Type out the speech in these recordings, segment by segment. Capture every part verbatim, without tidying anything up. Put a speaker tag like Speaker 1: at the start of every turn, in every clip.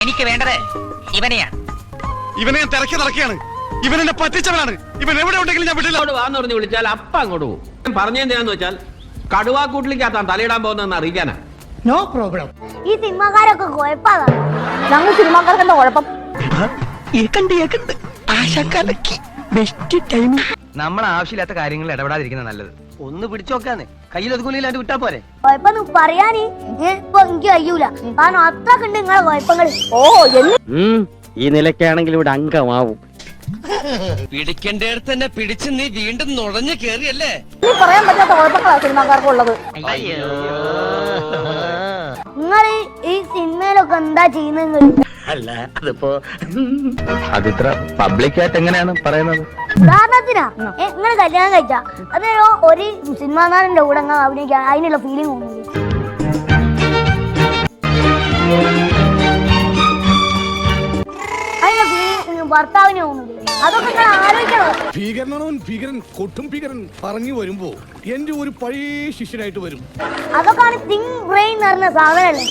Speaker 1: എനിക്ക് വേണ്ടത് ഇവനെയാണ്.
Speaker 2: ഇവനെ ഞാൻ തിരക്കി നടക്കുകയാണ്. ഇവൻ എന്നെ പറ്റിച്ചവനാണ്. ഇവൻ എവിടെ ഉണ്ടെങ്കിലും ഞാൻ വിട്ടില്ല.
Speaker 3: വാന്ന് പറഞ്ഞ് വിളിച്ചാൽ അപ്പ അങ്ങോട്ട് പോകും. പറഞ്ഞെന്തിനാന്ന് വെച്ചാൽ കടുവാക്കൂട്ടിലേക്കാത്താൻ തലയിടാൻ പോകുന്നതെന്ന് അറിയിക്കാനാ.
Speaker 4: No problem.
Speaker 5: ഈ സിനിമാക്കാരൊക്കെ കുഴപ്പമാണ്.
Speaker 6: ഞങ്ങൾ സിനിമാക്കാർക്ക് എന്താ കുഴപ്പം?
Speaker 1: നമ്മൾ ആവശ്യമില്ലാത്ത കാര്യങ്ങളിൽ ഇടപെടാതിരിക്കുന്നത് നല്ലത്.
Speaker 7: ഒന്ന് പിടിച്ചോക്കാന്ന് കയ്യിലൊതുകൂലില്ലാണ്ട് വിട്ടാ പോരെ.
Speaker 5: കുഴപ്പം പറയാന് ഇപ്പൊ എനിക്ക് കഴിയൂല. കാരണം അത്രക്ക് ഉണ്ട് നിങ്ങളെ കുഴപ്പങ്ങൾ.
Speaker 6: ഓ എന്ന്
Speaker 7: ഈ നിലയ്ക്കാണെങ്കിൽ ഇവിടെ അംഗമാവും.
Speaker 8: പിടിക്കേണ്ടടുത്ത് തന്നെ പിടിച്ച് നീ വീണ്ടും നുഴഞ്ഞു കേറിയല്ലേ.
Speaker 6: ഇനി പറയാൻ പറ്റാത്ത കുഴപ്പങ്ങളാ സിനിമാക്കാർക്കുള്ളത്.
Speaker 5: നിങ്ങൾ ഈ സിനിമയിലൊക്കെ എന്താ ചെയ്യുന്നത്?
Speaker 7: അല്ല അതിപ്പോ അതിത്ര പബ്ലിക്കായിട്ട് എങ്ങനെയാണ് പറയുന്നത്?
Speaker 5: ഉദാഹരണത്തിനാ നിങ്ങൾ കല്യാണം കഴിച്ച അതോ ഒരു സിനിമാ നടന്റെ കൂടെ അങ്ങ് അഭിനയിക്കാൻ അതിനുള്ള ഫീലിംഗ് തോന്നുന്നു. അതിനുള്ള ഫീലിംഗ് ഭർത്താവിന് തോന്നുന്നു. അതൊക്കെ നിങ്ങൾ ആലോചിക്കണം.
Speaker 2: ഭീകരനാണവൻ, ഭീകരൻ, കൊട്ടും ഭീകരൻ പറഞ്ഞു വരുമ്പോ എന്റെ ഒരു പഴയ ശിഷ്യനായിട്ട് വരും.
Speaker 5: അതൊക്കെയാണ് തിങ് ബ്രെയിൻ എന്ന് പറഞ്ഞ സാധനല്ലേ.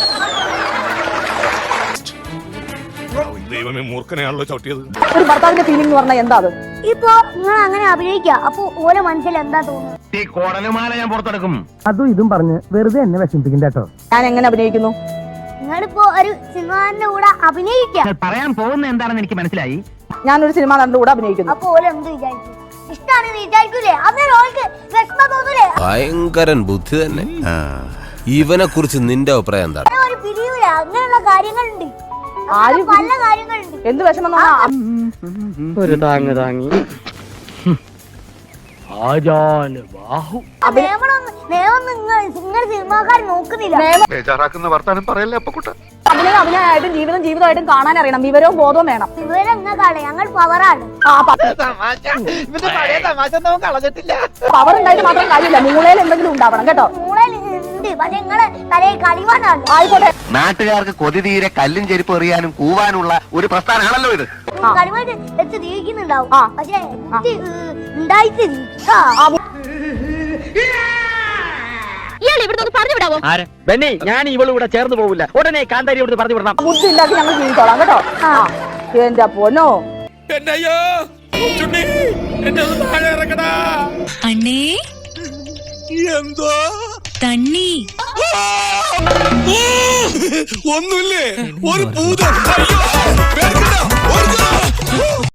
Speaker 2: ദൈവമേ, മൂർഖനെയാണല്ലോ ചവിട്ടിയത്.
Speaker 6: ഒരു ഭർത്താവിന്റെ ഫീലിംഗ് എന്ന് പറഞ്ഞാൽ എന്താ അത്?
Speaker 5: ഇപ്പൊ നിങ്ങൾ അങ്ങനെ അഭിനയിക്കുക, അപ്പൊ ഓരോ മനസ്സിൽ എന്താ തോന്നുന്നത്?
Speaker 7: ഈ കോടലുമാല ഞാൻ പുറത്തെടുക്കും.
Speaker 9: അതും ഇതും പറഞ്ഞ് വെറുതെ എന്നെ വിഷമിപ്പിക്കണ്ട കേട്ടോ.
Speaker 6: ഞാൻ എങ്ങനെ അഭിനയിക്കുന്നു?
Speaker 5: നിങ്ങളിപ്പോ ഒരു സിനിമാന്റെ കൂടെ അഭിനയിക്കുക.
Speaker 1: പറയാൻ പോകുന്ന എന്താണെന്ന് എനിക്ക് മനസ്സിലായി.
Speaker 6: ഞാനൊരു സിനിമ നടന്റെ കൂടെ അഭിനയിക്കുന്നു.
Speaker 5: അപ്പൊ ഓരോ എന്ത് വിചാരിക്കും? ഇഷ്ടാണെന്ന് വിചാരിക്കൂലേ? അന്നേരം ഓൾക്ക് വിഷമം തോന്നൂലേ?
Speaker 10: ഭയങ്കരൻ ബുദ്ധി തന്നെ. ഇവനെ കുറിച്ച് നിന്റെ അഭിപ്രായം എന്താണ്?
Speaker 5: ഒരു പിരിയൂല. അങ്ങനെയുള്ള കാര്യങ്ങളുണ്ട്.
Speaker 6: ആരും
Speaker 5: പല കാര്യങ്ങളുണ്ട്.
Speaker 6: എന്ത് വിഷമം?
Speaker 7: ഒരു താങ്ങ് താങ്ങി
Speaker 5: നിങ്ങൾ സിനിമാക്കാർ നോക്കുന്നില്ല.
Speaker 2: ബേജാറാക്കുന്ന വർത്താനം പറയല്ലേ അപ്പക്കുട്ട.
Speaker 6: അഭിനയം അഭിനയമായിട്ടും ജീവിതം ജീവിതമായിട്ടും കാണാൻ അറിയണം. വിവരവും ബോധവും വേണം.
Speaker 5: വിവരം നിങ്ങൾക്കാണ്, ഞങ്ങൾ പവറാണ്.
Speaker 6: പവർ ഉണ്ടായിട്ട് മാത്രം കാര്യമില്ല, മൂളയിൽ എന്തെങ്കിലും ഉണ്ടാവണം കേട്ടോ.
Speaker 5: മൂളയിൽ ഉണ്ട്, പക്ഷെ നിങ്ങള് തലയിൽ കളിവാനാണ്.
Speaker 6: ആയിക്കോട്ടെ.
Speaker 10: നാട്ടുകാർക്ക് കൊതി തീരെ കല്ലും ചെരുപ്പ് എറിയാനും കൂവാനുള്ള ഒരു പ്രസ്ഥാനമാണല്ലോ ഇത്.
Speaker 5: കളിവായിട്ട് വെച്ച് ജീവിക്കുന്നുണ്ടാവും,
Speaker 6: ആ.
Speaker 5: പക്ഷെ ബുദ്ധി, ഏ, ഉണ്ടായിട്ട്
Speaker 7: ബെന്നി, ഞാൻ ഇവളുകൂടെ ചേർന്ന് പോവില്ല. ഉടനെ കാന്താരി ഇവിടുന്ന് പറഞ്ഞു വിടണം.
Speaker 6: ബുദ്ധി ഉണ്ടാക്കി ഞങ്ങൾ ജീവിച്ചോളാം കേട്ടോ. എന്റെ പൊന്നോ.
Speaker 4: അണ്ണേ
Speaker 2: എന്തോ
Speaker 4: തണ്ണി
Speaker 2: ഒന്നുമില്ലേ? ഒരു ഭൂതം.